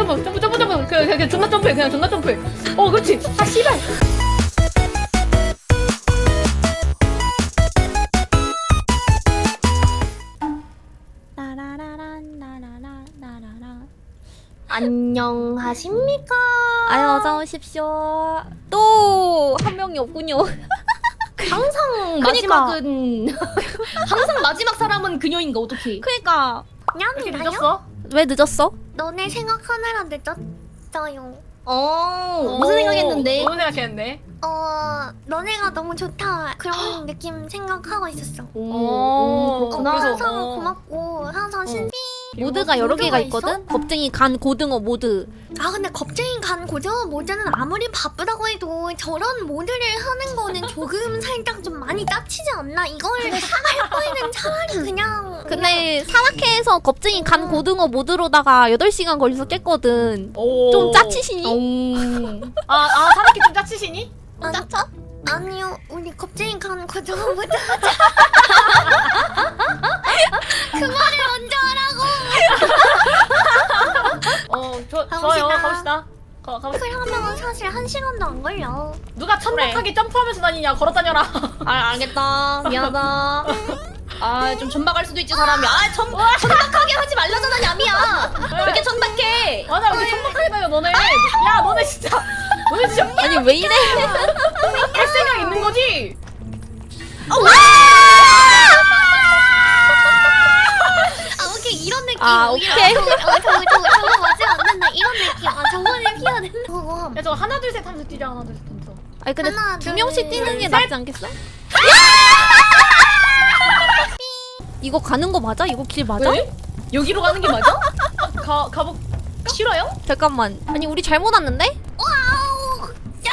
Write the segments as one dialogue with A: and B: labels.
A: 점프. 그냥 존나 점프해. 그냥 존나 점프해. 그렇지. 아 씨발.
B: 안녕하십니까?
C: 아유 어서 오십시오. 또 한 명이 없군요.
B: 항상 마지막은 항상 마지막 사람은 그녀인가 어떡해?
C: 그니까
A: 이렇게
D: 냠이라요?
A: 늦었어?
C: 왜 늦었어?
D: 너네 생각하느라 늦었어요.
B: 무슨 생각했는데?
A: 무슨 생각했는데?
D: 너네가 너무 좋다 그런 느낌 생각하고 있었어.
A: 그래서
D: 항상 고맙고 항상 신비.
C: 모드가 여러 개가
D: 모드가
C: 있거든? 겁쟁이 간 고등어 모드.
D: 아 근데 겁쟁이 간 고등어 모드는 아무리 바쁘다고 해도 저런 모드를 하는 거는 조금 살짝 좀 많이 짜치지 않나? 이걸 할 거에는 차라리 그냥.
C: 근데 산악회에서 겁쟁이 간 고등어 모드로다가 8시간 걸려서 깼거든. 좀 짜치시니?
A: 사나키 좀 짜치시니?
D: 짜쳐? 아니요, 우리 겁쟁이 간 고등어 모드 하자. 그 말을 먼저 하라고.
A: 좋아요. 가봅시다. 가봅시다.
D: 그러면 사실 1시간도 안 걸려.
A: 누가 천박하게 점프하면서 다니냐? 걸어 다녀라.
B: 알겠다. 미안하다. 좀 천박할 수도 있지 사람이. 천박하게 하지 말라잖아 냠이야. 왜 이렇게 천박해?
A: 맞아, 왜 이렇게 천박하게 다녀 너네? 야, 너네 진짜
C: 아니 왜 이래?
A: 할 생각 있는 거지?
D: 오케이 이런 느낌.
C: 오케이.
D: 저거 맞으면 안 된다. 이런 느낌. 저거는 피해야 된다. 그거.
A: 야, 저거 하나 둘 셋 하면서 뛰자. 하나 둘 셋 하면서.
C: 아니 근데
D: 하나,
C: 두
D: 둘,
C: 명씩 뛰는 게
A: 셋.
C: 낫지 않겠어? 이거 가는 거 맞아? 이거 길 맞아?
B: 왜? 여기로 가는 게 맞아?
A: 가복.
B: 싫어요?
C: 잠깐만. 아니 우리 잘못 왔는데?
D: 와우.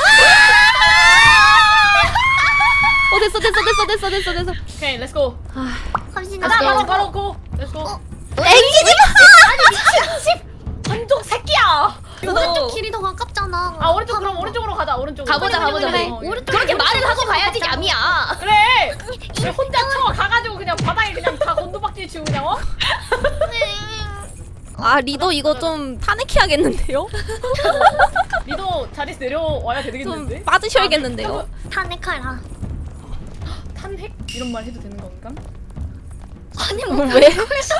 C: 됐어.
A: 오케이, 렛츠고.
D: 갑시다.
A: 가자, 바로 고. 렛츠고.
C: 땡기지
A: 반동 새끼야.
D: 오른쪽 길이 더 가깝잖아.
A: 오른쪽 그럼 오른쪽으로 가자. 오른쪽으로.
B: 가보자.
A: 그래.
B: 그렇게 말을 하고 가야지 냠이야.
A: 그래. 왜 혼자 가가지고 그냥 바닥에 그냥 다 곤두박질 치고 그냥
C: 아 리더 이거 좀 타내키야겠는데요?
A: 리도 자리에서 내려와야
C: 좀
A: 되겠는데?
C: 빠지셔야겠는데요?
D: 탄핵하라.
A: 탄핵? 이런 말 해도 되는 건가?
D: 아니
C: 왜?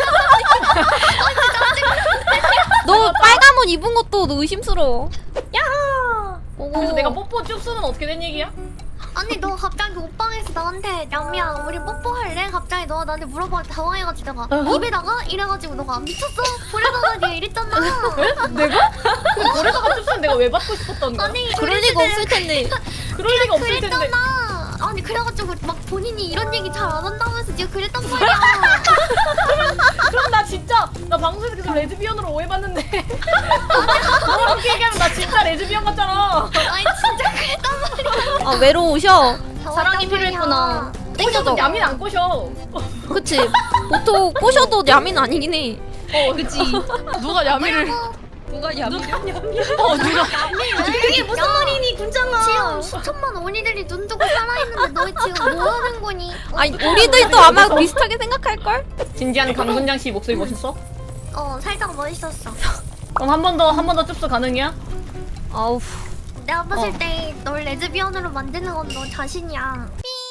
C: 너 빨간 옷 입은 것도 너 의심스러워.
A: 그래서 내가 뽀뽀 쭉 쏘는 어떻게 된 얘기야?
D: 아니 너 갑자기 옷방에서 나한테 냠이야 우리 뽀뽀할래? 갑자기 너가 나한테 물어봐 당황해가지고 내가 입에다가 이래가지고 너가 미쳤어? 볼에다가 네가 이랬잖아.
A: 내가? 그 고래다가 쭉 쏘는 내가 왜 받고 싶었던 거야?
D: 아니
C: 그럴 리가 없을 텐데.
A: 그럴 리가 없을 텐데.
D: 그랬잖아. 아니 그래가지고 막 본인이 이런 얘기 잘 안 한다면서 네가 그랬단 말이야.
A: 그럼 나 진짜 나 방송에서 계속 레즈비언으로 오해받는데 너가 그렇게 얘기하면 나 진짜 레즈비언 같잖아.
D: 아니 진짜 그랬단 말이야.
C: 외로우셔.
B: 사랑이 필요했구나.
A: 꼬셔도 야민 안 꼬셔.
C: 그치? 보통 꼬셔도 야민 아니긴 해.
A: 그치. 누가 야미를
B: 누가 냠이야?
A: 누가
B: 그게 무슨 말이니 군장아.
D: 지금 수천만 언니들이 눈 뜨고 살아있는데 너 지금 뭐 하는 거니?
C: 아니 우리들도 아마 비슷하게 생각할걸?
A: 진지한 강군장 씨 목소리 멋있어?
D: 살짝 멋있었어.
A: 그럼 한 번 더 줍스 가능이야?
C: 아우.
D: 내가 봤을 때 널 레즈비언으로 만드는 건 너 자신이야.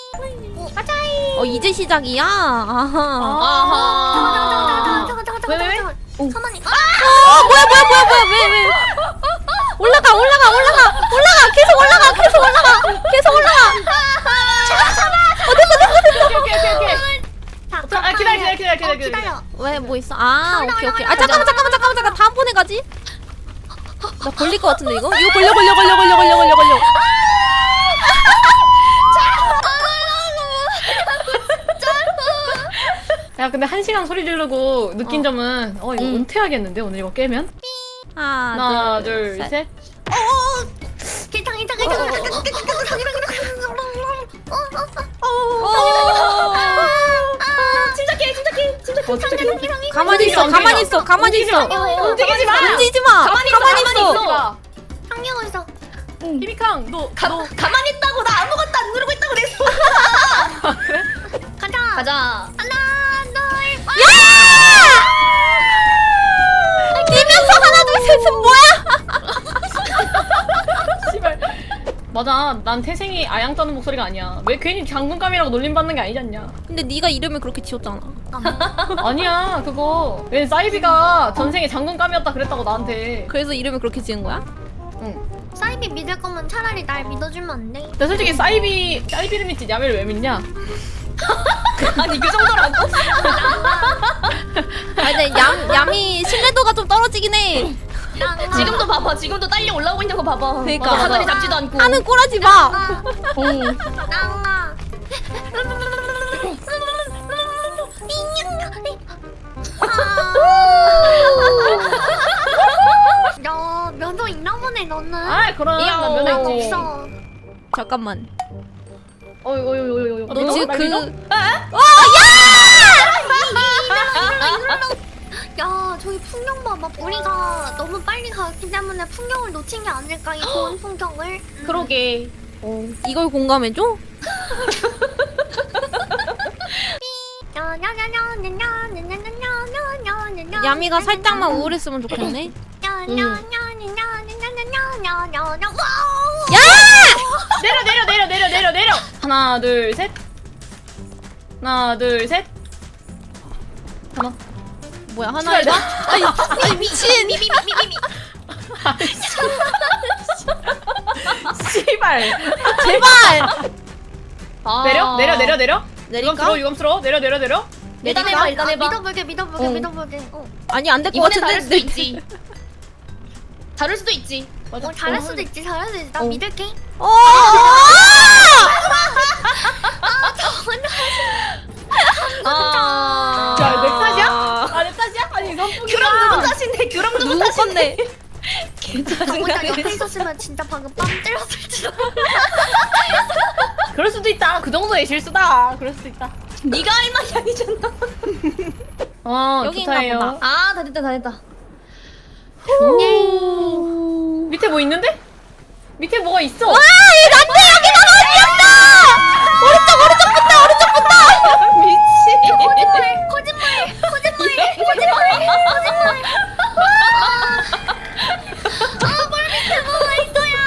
C: 이제 시작이야? 아하.
B: 아하.
A: 왜?
D: 천원이.
C: 뭐야 왜 올라가 계속 올라가
A: 기다려.
C: 왜 뭐 있어? 오케이 잠깐만 다음번에 가지. 나 걸릴 것 같은데 이거 걸려
A: 야, 근데 1시간 소리 지르고 느낀 점은 이거 은퇴하겠는데 오늘 이거 깨면? 하나, 둘, 셋.
B: 침착해.
C: 가만히 있어
A: 움직이지 마.
B: 가만히 있어.
D: 한경 어딨어?
A: 히비캉, 너
B: 가만히 있다고 나 아무것도 안 누르고 있다고 그랬어. 가자.
D: 하나, 둘,
C: 뛰면서 하나 둘 셋은 뭐야?
A: 맞아. 난 태생이 아양 떠는 목소리가 아니야. 왜 괜히 장군감이라고 놀림받는 게 아니지 않냐?
C: 근데 네가 이름을 그렇게 지었잖아.
A: 아니야 그거. 왜 사이비가 전생에 장군감이었다 그랬다고 나한테.
C: 그래서 이름을 그렇게 지은 거야?
A: 응.
D: 사이비 믿을 거면 차라리 날 믿어주면 안 돼?
A: 근데 솔직히 사이비를 믿지 야미를 왜 믿냐?
B: 아니 그 정도라고?
C: 아니 야미 신뢰도가 좀 떨어지긴 해.
B: 지금도 봐봐. 지금도 딸려 올라오고 있는 거 봐봐.
C: 그러니까.
B: 맞아, 사다리 잡지도 않고.
C: 하는 꼬라지 마.
D: 낭아. 야, 면허 있나 보네 너는.
A: 아 그럼
B: 이야,
A: 나 면허
D: 나
A: 있지.
D: 없어.
C: 잠깐만.
A: 어이.
C: 너 지금 그
D: 야, 저기 풍경 봐봐. 우리가 너무 빨리 갔기 때문에 풍경을 놓친 게 아닐까, 이 좋은 풍경을.
B: 그러게.
C: 이걸 공감해줘? 야미가 살짝만 우울했으면 좋겠네.
A: 내려. 하나 둘 셋. 하나 둘 셋. 하나.
C: 뭐야 하나 해봐? 아니 미친.
A: 씨발.
C: 제발.
B: 아.
A: 내려.
C: 내릴까?
A: 유감스러워. 내려.
B: 일단 해봐. 일단 해봐.
D: 믿어볼게.
C: 아니 안 될 것
B: 이번엔
C: 같은데.
B: 다를 수도 있지. 다를 수도 있지.
A: 맞아.
D: 잘할 수도 있지. 나 믿을게.
B: 아.
A: 야, 내 탓이야? 아, 내 탓이야? 아니, 선풍기가.
B: 규랑 누구 탓인데? 규랑 누구
C: 누구
B: 탓인데?
C: 건데?
D: 보다 옆에 있었으면 진짜 방금 빰 때렸을지도.
A: 그럴 수도 있다. 그 정도의 실수다. 그럴 수도 있다.
B: 네가 할 말이 아니잖아.
C: 여기인가
A: 좋다예요.
C: 보다.
B: 아, 다 됐다.
A: 밑에 뭐 있는데? 밑에 뭐가 있어?
B: 미치.
D: 거짓말. 뭘 밑에 뭐가 있어요?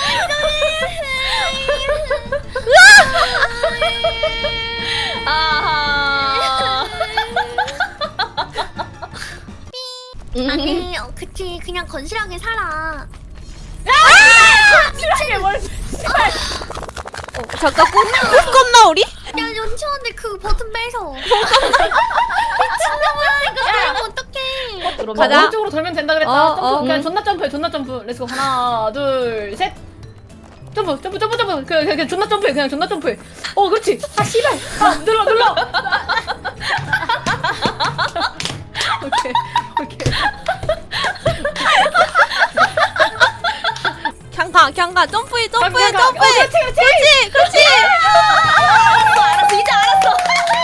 B: 아하.
D: 아니, 그치. 그냥 건실하게 살아.
A: 실하게 뭘.
C: 잠깐 꿈꿨나 우리?
D: 야, 연치원데 그 버튼 빼서. 미친놈아, 이거 그럼 어떡해.
B: 그럼
C: 가자.
A: 오른쪽으로 돌면 된다 그랬다.
C: 어,
A: 점프.
C: 어.
A: 그냥 존나 점프. 렛츠고. 하나, 둘, 셋. 점프. 그냥 존나 점프해. 그렇지. 아, 씨발. 아, 눌러. 오케이.
C: 그냥 가 점프해.
A: 그렇지.
C: 그렇지.
B: 알았어. 이제 알았어.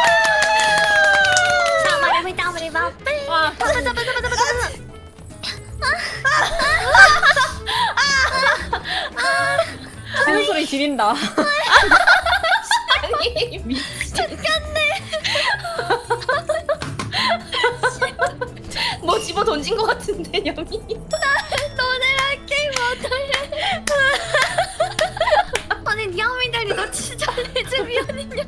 A: 와. 하는 소리 지린다.
B: 아니, 미치. 뭐 집어 던진 것 같은데, 여미.
D: 너네랑 게임 못할래. 아니, 니아미들이 너 진짜 레즈비언이냐?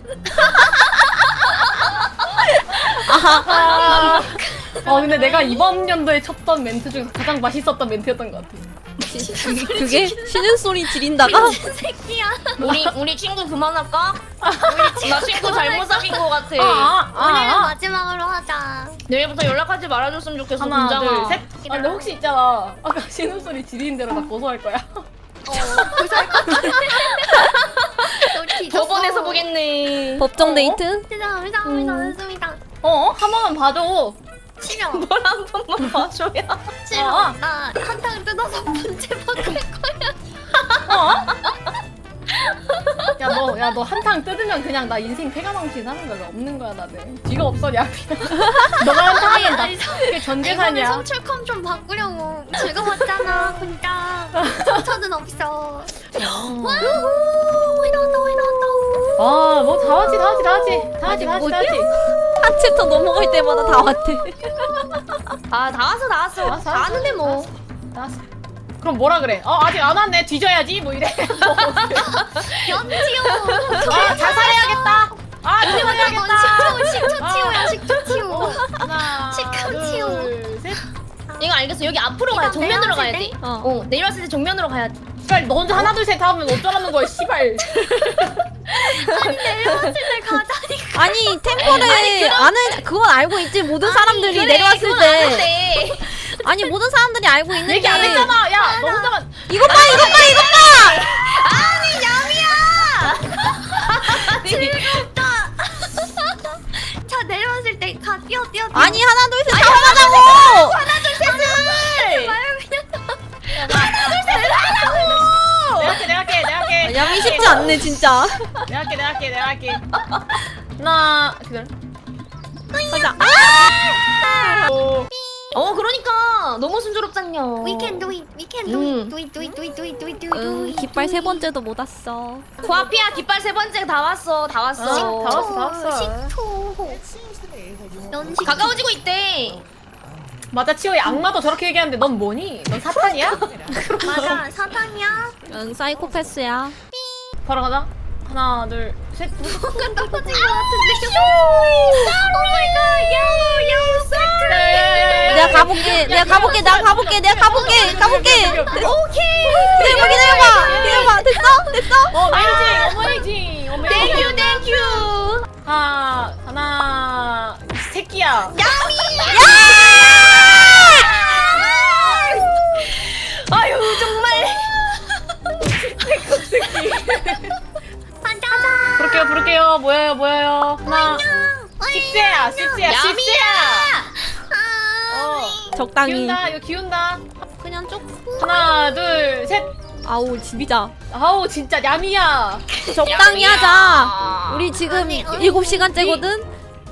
A: 근데 내가 이번 연도에 쳤던 멘트 중에서 가장 맛있었던 멘트였던 것 같아.
C: 그게 쉬는 소리 지린다가
D: 새끼야.
B: 우리 친구 그만할까? 나 친구 잘못 사귄 것 같아.
D: 오늘은 마지막으로 하자.
B: 내일부터 연락하지 말아줬으면 좋겠어,
A: 하나,
B: 분장아.
A: 둘, 셋. 근데 혹시 있잖아. 아까 신음소리 지리는 대로 나 고소할 거야.
D: 고소할 것 같아. 너 뒤졌어.
B: 법원에서 보겠네.
C: 법정 데이트?
D: 죄송합니다.
A: 한 번만 봐줘.
D: 싫어.
B: 뭘 한 번만 봐줘야.
D: 싫어. 나 한탕 뜯어서 문제 바꿀 거야.
A: 야, 너 한탕 뜯으면 그냥 나 인생 폐가망신 하는 거야. 없는 거야, 나는. 쥐가 없어, 야. 너가 한탕하면 나 그게
D: 이번에
A: 전재산이야.
D: 성출컴 좀 바꾸려고 즐거웠잖아. 진짜 상처는 없어. 와, 왜 나왔다.
A: 뭐 다 같이.
C: 한 챕터 넘어갈 때마다 다 왔대.
B: 아, 다 왔어. 다 왔는데 뭐.
A: 나왔어. 그럼 뭐라 그래? 아직 안 왔네. 뒤져야지. 뭐 이래.
D: 연지요.
A: 자살해야겠다. 자살해야겠다.
D: 식초 치우야 식초 치우.
A: 하나,
D: 식초 치우.
A: 둘, 셋.
B: 이거 알겠어. 여기 앞으로 가야 정면으로 가야 돼.
C: 어.
B: 내려왔을 때 정면으로 가야 돼.
A: 씨발 너 혼자 하나 둘 셋 하면 어쩌라는 거야 씨발.
D: 내려왔을 때 가자니까.
C: 아니 템포를 아는 그건 알고 있지. 모든 사람들이
B: 그래,
C: 내려왔을
B: 그건
C: 때.
B: 아는데.
C: 아니 모든 사람들이 알고 있는데.
A: 얘기 안 했잖아. 야 너 혼자만.
C: 이것 봐.
D: 자 내려왔을 때 가 뛰어.
C: 아니 하나 둘 셋 다 하자고.
A: 내가 할게.
C: 야미 쉽지 않네 진짜.
A: 내가 할게. 하나 기다려.
C: 가자.
B: 그러니까 너무 순조롭잖요.
D: We can do it.
C: 깃발 세 번째도 못 왔어.
B: 코앞이야. 깃발 세 번째 다 왔어. 다 왔어.
A: 다 왔어.
D: 식초. 연식.
B: 가까워지고 있대.
A: 맞아 치호이 악마도 저렇게 얘기하는데 넌 뭐니? 넌 사탄이야?
D: 맞아 사탕이야.
C: 응 사이코패스야.
A: 바로 가자. 하나 둘 셋.
D: 순간 떨어진 것 같은데. 야호 사클.
C: 내가 가볼게. 기다려봐. 됐어.
A: 어메이징.
B: 땡큐.
A: 하나 이 새끼야.
B: 아유 정말.
D: 가자.
A: 부를게요. 모여요. 하나. 십세야.
C: 적당히.
A: 이거 기운다.
C: 그냥 쭉.
A: 하나 둘 셋.
C: 아우 진짜.
A: 아우 진짜 야미야.
C: 적당히
B: 야미야.
C: 하자. 우리 지금
D: 아니,
C: 7시간째거든.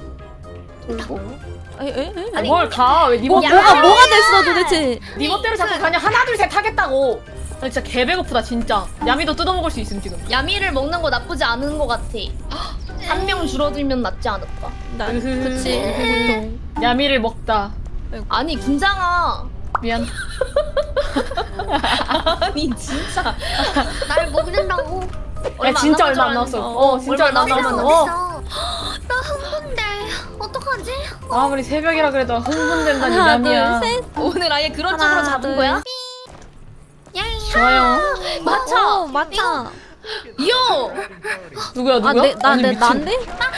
A: 아니 뭘 가? 왜 니
C: 뭐가 됐어 도대체.
A: 니 멋대로 자꾸 가냐? 하나 둘 셋 하겠다고. 나 진짜 개 배고프다 진짜. 야미도 뜯어먹을 수 있음 지금.
B: 야미를 먹는 거 나쁘지 않은 거 같아. 한 명 줄어들면 낫지 않을까?
C: 그치 보통.
A: 야미를 먹다.
B: 아니 군장아.
A: 미안.
B: 아니 진짜.
D: 날 먹는다고.
A: 야 진짜 얼마 안 남았어. 진짜 얼마 안 남았어.
D: 나 흥분돼. 어떡하지?
A: 아무리 새벽이라 그래도 흥분된다니
C: 하나
A: 야미야.
C: 둘 셋.
B: 오늘 아예 그런 쪽으로
C: 하나,
B: 잡은
C: 둘,
B: 거야?
A: 좋아요.
B: 맞아.
C: 맞아.
B: 이요.
A: 누구야?
C: 난데?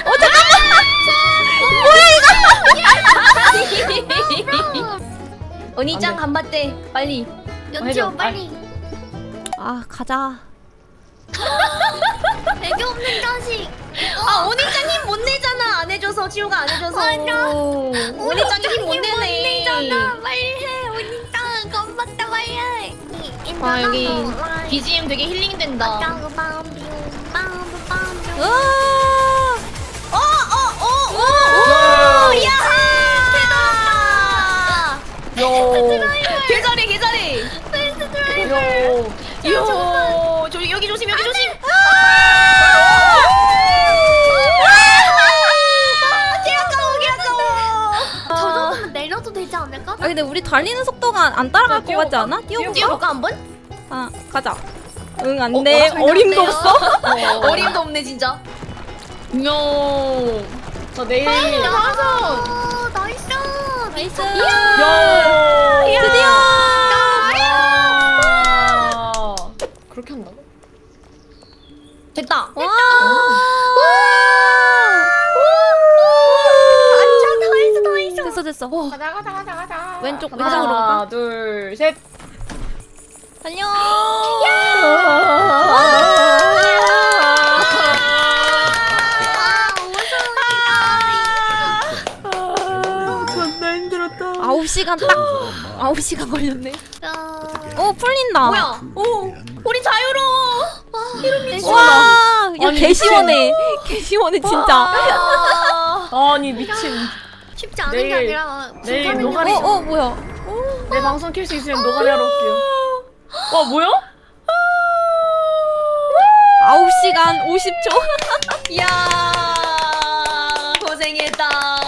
B: 언니짱 간바떼 빨리.
D: 연지호
A: 해줘.
D: 빨리.
C: 아 가자.
D: 애교 없는 자식.
B: 언니짱 힘 못 내잖아. 안 해줘서 지호가 안 해줘서. 언니짱 힘 못 내네.
D: 내잖아. 빨리 해. 언니 땅 건봤다 빨리 해.
B: 와 여기 BGM 되게 힐링 된다.
A: 요.
B: 개잘해.
A: 요.
B: 이요. 여기 조심.
D: 저 정도면 내려도 되지 않을까?
C: 아 근데 우리 달리는 속도가 안 따라갈 것 같지 않아? 뛰어볼까?
B: 뛰어볼까 한번?
C: 아 가자. 응 안돼. 어림도 없어.
B: 어림도 없네 진짜. 요.
A: 저 내일.
B: 나와서.
D: 나이스.
C: 나이스.
A: 요.
C: 드디어.
A: 그렇게 한다고?
B: 됐다.
C: 와. 됐어.
A: 가자.
C: 왼쪽으로
A: 하나,
C: 가.
A: 둘, 셋.
C: 달려.
A: 존나 힘들었다.
C: 9시간 딱 9시간 걸렸네. 풀린다.
B: 뭐야? 우리 자유로워.
C: 와, 야
A: 아니,
C: 개시원해. 개시원해 진짜.
A: 아니 미친.
D: 쉽지 않은 게
A: 내일-
D: 아니라
A: 내일
D: 불가능해.
A: 노가리.
C: 뭐야?
A: 내 방송 킬 수 있으면 노가리 하러 올게요. 와 뭐야?
C: 9시간 50초.
B: 이야 고생했다.